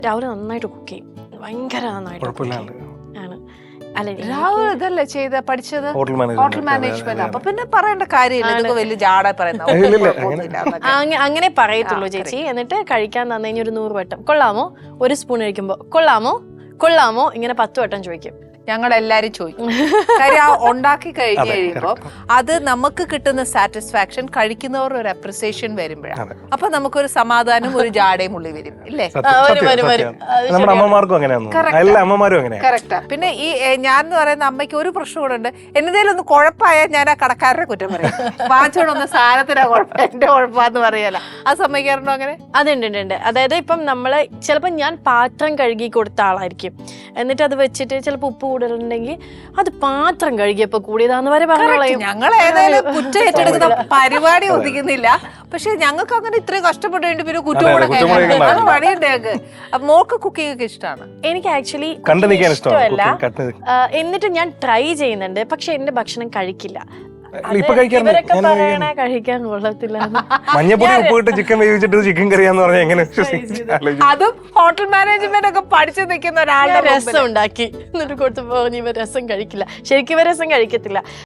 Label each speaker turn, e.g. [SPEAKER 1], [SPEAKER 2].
[SPEAKER 1] രാഹുൽ നന്നായിട്ട് കുക്ക് ചെയ്യും, ഭയങ്കര നന്നായിട്ട് ആണ്. അല്ല
[SPEAKER 2] രാഹുൽ ഇതല്ലേ പഠിച്ചത് ഹോട്ടൽ മാനേജ്മെന്റ്. അപ്പൊ പിന്നെ പറയേണ്ട കാര്യമില്ല, ഇതൊക്കെ വലിയ ജാട
[SPEAKER 1] അങ്ങനെ പറയത്തുള്ളൂ ചേച്ചി. എന്നിട്ട് കഴിക്കാൻ തന്നു കഴിഞ്ഞാൽ ഒരു 100 വട്ടം കൊള്ളാമോ, ഒരു സ്പൂൺ കഴിക്കുമ്പോ കൊള്ളാമോ കൊള്ളാമോ ഇങ്ങനെ 10 വട്ടം ചോദിക്കും.
[SPEAKER 2] ഞങ്ങളെല്ലാരും ചോദിക്കും. കാര്യം ഉണ്ടാക്കി കഴിഞ്ഞ് കഴിയുമ്പോൾ അത് നമുക്ക് കിട്ടുന്ന സാറ്റിസ്ഫാക്ഷൻ കഴിക്കുന്നവർ ഒരു അപ്രിസിയേഷൻ വരുമ്പോഴാണ്. അപ്പൊ നമുക്കൊരു സമാധാനം ഒരു ജാടയും ഉള്ളി വരും ഇല്ലേ? കറക്റ്റാ. പിന്നെ ഈ ഞാൻ എന്ന് പറയുന്ന അമ്മയ്ക്ക് ഒരു പ്രശ്നം കൂടെ ഉണ്ട്. എന്നതേലും ഒന്ന് കുഴപ്പമായാൽ ഞാൻ ആ കടക്കാരനെ കുറ്റം പറയും. വാങ്ങിച്ചോണ്ടൊന്ന് സാധനത്തിനാ കുഴപ്പം, എന്റെ കുഴപ്പമാന്ന് പറയല. അത് സമ്മതിക്കാറുണ്ടോ അങ്ങനെ?
[SPEAKER 1] അതുണ്ട്. അതായത് ഇപ്പം നമ്മള് ചിലപ്പോ ഞാൻ പാത്രം കഴുകി കൊടുത്ത ആളായിരിക്കും, എന്നിട്ട് അത് വെച്ചിട്ട് ചിലപ്പോ ഉപ്പ് കൂടുതലുണ്ടെങ്കിൽ അത് പാത്രം കഴുകിയപ്പോ കൂടിയതാന്ന് വരെ പറഞ്ഞു.
[SPEAKER 2] ഞങ്ങൾ ഏതായാലും കുറ്റം ഏറ്റെടുക്കുന്ന പരിപാടി ഒതുക്കുന്നില്ല. പക്ഷെ ഞങ്ങൾക്ക് അങ്ങനെ ഇത്രയും കഷ്ടപ്പെട്ട് പിന്നെ കുറ്റം കൂടെ പണിയുണ്ട് ഞങ്ങൾക്ക്. മോൾക്ക് കുക്കിംഗ് ഒക്കെ ഇഷ്ടമാണ്.
[SPEAKER 1] എനിക്ക് ആക്ച്വലി ഇഷ്ടമല്ല, എന്നിട്ട് ഞാൻ ട്രൈ ചെയ്യുന്നുണ്ട്. പക്ഷെ എന്റെ ഭക്ഷണം കഴിക്കില്ല. ഇവരൊക്കെ പറയണ കഴിക്കാൻ കൊള്ളത്തില്ല.
[SPEAKER 3] മഞ്ഞപ്പൊടി ഉപ്പിട്ട് ചിക്കൻ വേവിച്ചിട്ട് ചിക്കൻ കറിയാന്ന് പറഞ്ഞാൽ എങ്ങനെ?
[SPEAKER 2] അതും ഹോട്ടൽ മാനേജ്മെന്റ് ഒക്കെ പഠിച്ചു നിൽക്കുന്ന ഒരാളുടെ
[SPEAKER 1] രസം ഉണ്ടാക്കി എന്നിട്ട് കൊടുത്തു പറഞ്ഞു ഇവ രസം കഴിക്കില്ല. ശരിക്കും ഇവ രസം കഴിക്കത്തില്ല.